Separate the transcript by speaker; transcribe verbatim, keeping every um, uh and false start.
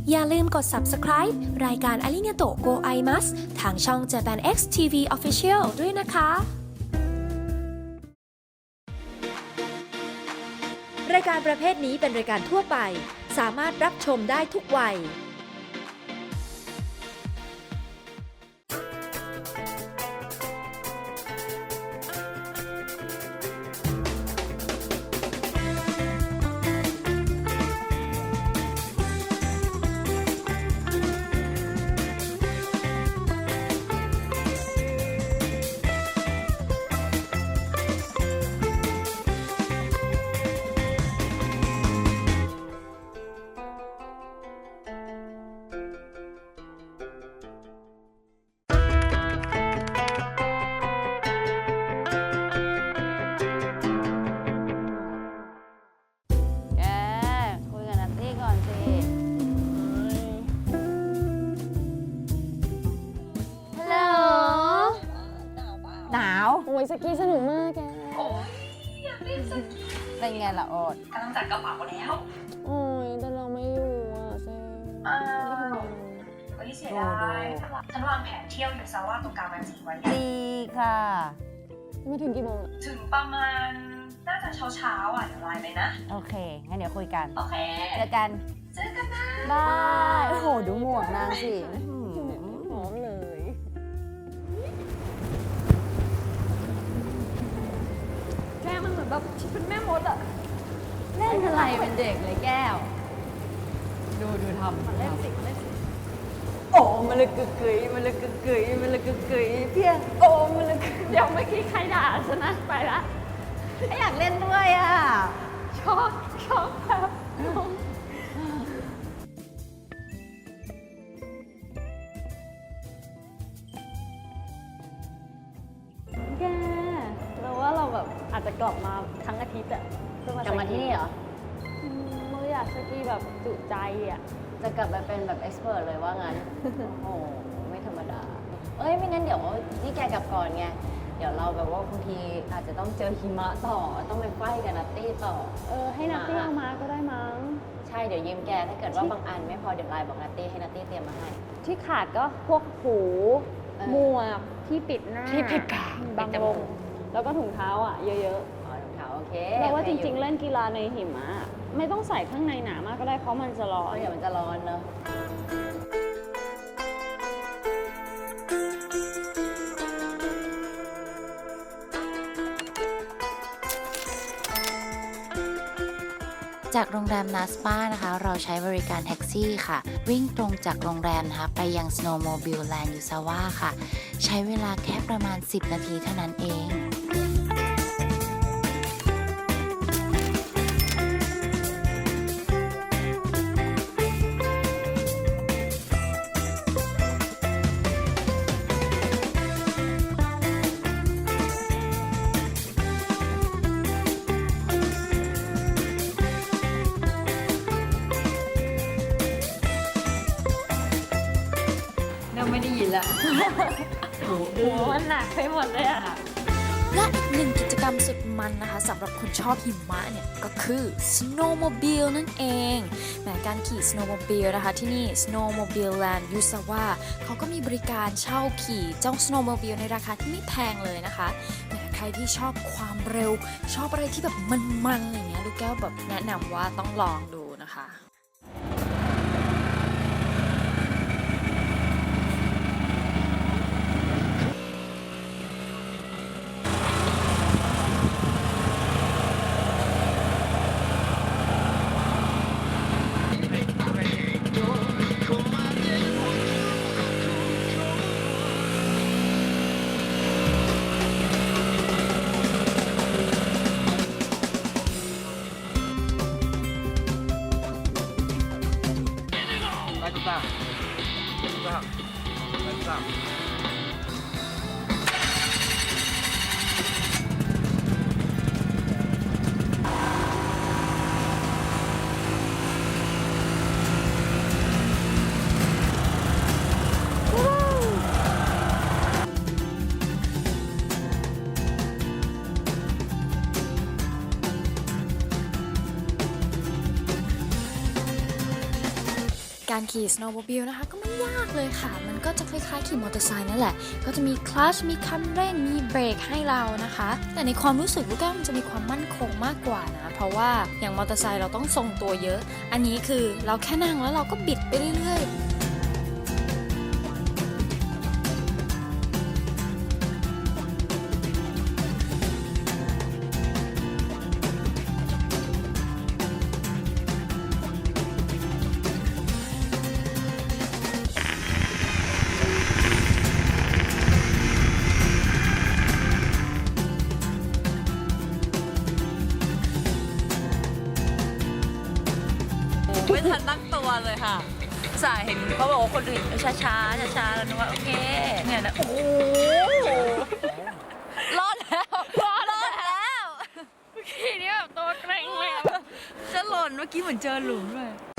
Speaker 1: อย่าลืมกด ซับสไครบ์ รายการอาริงาโตโกไอมัสทางช่อง Japan X ที วี Official ด้วยนะคะ
Speaker 2: รายการประเภทนี้เป็นรายการทั่วไปสามารถรับชมได้ทุกวัย
Speaker 3: สกีสนุกมากแก
Speaker 4: โอ้ยอยากเล่นสกี
Speaker 5: เป็นไงล่ะโอ๊ต
Speaker 4: กำลังจัดกระเป๋าแล้ว
Speaker 3: โอ้ยแต่เราไม่อยู่อ่ะเซ่
Speaker 4: อ้าวเฮ้ยเสียดายฉันวางแผนเที่ยวอยู่ซาว่าตรงกลางวันจีไว้
Speaker 5: ดีค่ะ
Speaker 3: ไม่ถึงกี่โมงอะ
Speaker 4: ถึงประมาณน่าจะเช้าเช้าอ่ะเดี๋ยวไลน์ไปนะ
Speaker 5: โอเคงั้นเดี๋ยวคุยกัน
Speaker 4: โอเค
Speaker 5: เจอกัน
Speaker 4: เจอกันนะ
Speaker 5: ได้โอ้โหดูหมวกนางสิ
Speaker 3: หอมเลยแม่มันเหมือนแบบเป็นแม่มดอะ
Speaker 5: เล่นอะไรเป็นเด็กเลยแก้วดูดูทำ
Speaker 3: มันเล่นสิมันเล่นสิ
Speaker 5: โอ้มันเลยกึกกึ๋ยมันเลยกึกกึ๋ยมันเลยกึกกึ๋ยเพี้ยโอ้มันเลย
Speaker 3: เดี๋ยวเมื่อกี้ใครด่าฉันนะไปละ
Speaker 5: ไม่อยากเล่นด้วยอ่ะ
Speaker 3: ช็อกช็อกแบบแกเราว่าเราแบบอาจจะกลับมาทั้งอาทิตย์อะ
Speaker 5: กลับมาที่นี่เหรอ
Speaker 3: เราอยากสกีแบบจุใจอะ
Speaker 5: จะกลับมาเป็นแบบเอ็กซ์เพรสเลยว่างั้นโอ้ไม่ธรรมดาเอ้ยไม่งั้นเดี๋ยวนี่แกกลับก่อนไงเดี๋ยวเราแบบว่าบางทีอาจจะต้องเจอหิมะต่อต้องไปไฟกับนัตตี้ต่อ
Speaker 3: เออให้นัตตี้เอามาก็ได้มั้ง
Speaker 5: ใช่เดี๋ยวยืมแกถ้าเกิดว่าบางอันไม่พอเดี๋ยวไลน์บอกนัตตี้ให้นัตตี้เตรียมมาให้
Speaker 3: ที่ขาดก็พวกหูหมวกที่ปิดหน้า
Speaker 5: ที่ปิดปาก
Speaker 3: บางวงแล้วก็ถุงเท้าอ่ะเยอะ
Speaker 5: ๆอ๋อถุงเท้าโอเค
Speaker 3: เพราะว่าจริงๆเล่นกีฬาในหิมะไม่ต้องใส่ข้างในหนามากก็ได้เพราะมันจะร้อน
Speaker 5: เดี๋ยวมันจะร้อนเนอะ
Speaker 6: จากโรงแรมนาสปานะคะเราใช้บริการแท็กซี่ค่ะวิ่งตรงจากโรงแรมนะคะไปยัง Snowmobile Land Yuzawa ค่ะใช้เวลาแค่ประมาณสิบนาทีเท่านั้นเอง
Speaker 5: ไม่ได้ยินละ
Speaker 3: หัวมันหนักไปหมดเลยอะ
Speaker 1: และอีกหนึ่งกิจกรรมสุดมันนะคะสำหรับคนชอบหิมะเนี่ยก็คือ Snowmobile นั่นเองแม้การขี่ Snowmobile นะคะที่นี่ Snowmobile Land Yuzawa เขาก็มีบริการเช่าขี่เจ้า Snowmobile ในราคาที่ไม่แพงเลยนะคะแม้ใครที่ชอบความเร็วชอบอะไรที่แบบมันๆอย่างเงี้ยลูกแก้วแบบแนะนำว่าต้องลองดูนะคะการขี่ snowmobile นะคะก็ไม่ยากเลยค่ะมันก็จะคล้ายๆขี่มอเตอร์ไซค์นั่นแหละก็จะมีคลัตช์มีคันเร่งมีเบรกให้เรานะคะแต่ในความรู้สึกลูกแก้วมันจะมีความมั่นคงมากกว่านะเพราะว่าอย่างมอเตอร์ไซค์เราต้องทรงตัวเยอะอันนี้คือเราแค่นั่งแล้วเราก็บิดไปเรื่อยๆ
Speaker 7: ไม่ทันตั้งตัวเลยค่ะสายเห็นเขาบอกว่าคนอื่นช้าช้าช้าช้าๆแล้วนึกว่าโอเคเนี่ยนะโอ้โหรอดแล้วรอดแล้ว
Speaker 3: ทีนี้แบบตัวเกร็งเลย
Speaker 7: จะหล่นเมื่อกี้เหมือนเจอหลุมเลย